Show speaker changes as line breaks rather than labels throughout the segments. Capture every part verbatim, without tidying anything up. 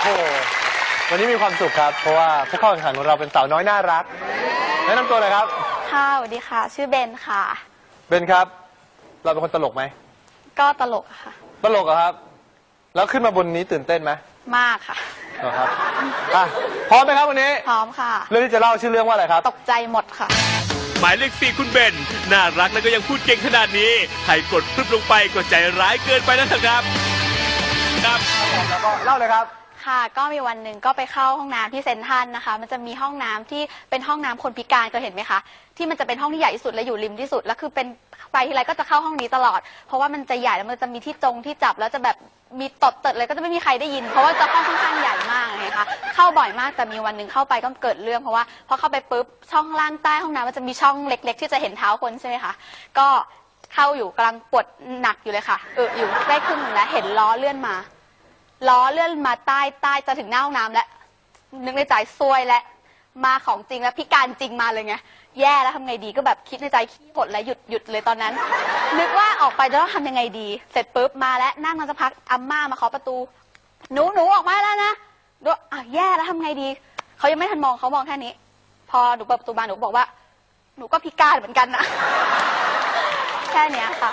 วันนี้มีความสุขครับเพราะว่าผู้เข้าแข่งขันของเราเป็นสาวน้อยน่ารักแนะนำตัวเลยครับ
ค่ะสวัสดีค่ะชื่อเบนค่ะ
เบนครับเราเป็นคนตลกไหม
ก็ตลกค่ะ
ตลกเหรอครับแล้วขึ้นมาบนนี้ตื่นเต้นไหม
มากค่ะ
เหรอครับอ่ะพร้อมไหมครับวันนี้
พร้อมค่ะ
เรื่องที่จะเล่าชื่อเรื่องว่าอะไรครับ
ตกใจหมดค่ะ
หมายเลขสี่คุณเบนน่ารักแล้วก็ยังพูดเก่งขนาดนี้ใครกดพรึบลงไปก็ใจร้ายเกินไปแล้วครับครับ
แล้วก็เล่าเลยครับ
ค่ะก็มีวันหนึ่งก็ไปเข้าห้องน้ำที่เซนทรัลนะคะมันจะมีห้องน้ำที่เป็นห้องน้ำคนพิการเคยเห็นไหมคะที่มันจะเป็นห้องที่ใหญ่ที่สุดและอยู่ริมที่สุดแล้วคือเป็นไปทีไรก็จะเข้าห้องนี้ตลอดเพราะว่ามันจะใหญ่แล้วมันจะมีที่จงที่จับแล้วจะแบบมีตดเติดเลยก็จะไม่มีใครได้ยินเพราะว่าจะห้องค่อนข้างใหญ่มากนะคะเข้าบ่อยมากแต่มีวันหนึ่งเข้าไปก็เกิดเรื่องเพราะว่าพอเข้าไปปุ๊บช่องล่างใต้ห้องน้ำมันจะมีช่องเล็กๆที่จะเห็นเท้าคนใช่ไหมคะก็เข้าอยู่กำลังปวดหนักอยู่เลยค่ะเอออยู่ได้ครึ่งนึงแล้วเห็นล้อเลื่อนมาล้อเลื่อนมาใต้ใต้จะถึงหน้าห้องน้ำแล้วนึกในใจซวยและมาของจริงแล้วพิการจริงมาเลยไงแย่แล้วทำไงดีก็แบบคิดในใจขี้หดแล้วหยุดหยุดเลยตอนนั้นนึกว่าออกไปจะต้องทำยังไงดีเสร็จปุ๊บมาแล้วนั่งมาสักพักอาม่ามาเคาะประตูหนูหนูออกมาแล้วนะดูอ่ะแย่แล้วทำไงดีเขายังไม่ทันมองเขามองแค่นี้พอหนูเปิดประตูมาหนูบอกว่าหนูก็พิการเหมือนกันนะแค่เนี้ยค่ะ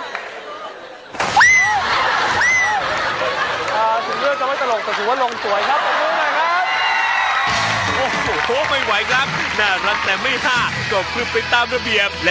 ถึงเรื่องจะไม่ตลกแต่ถือว่าลงสวยครับขอบคุณนะครับ
โอ้โหไม่ไหวครับน่ารักแต่ไม่ห้าก็พรึบไปตามระเบียบ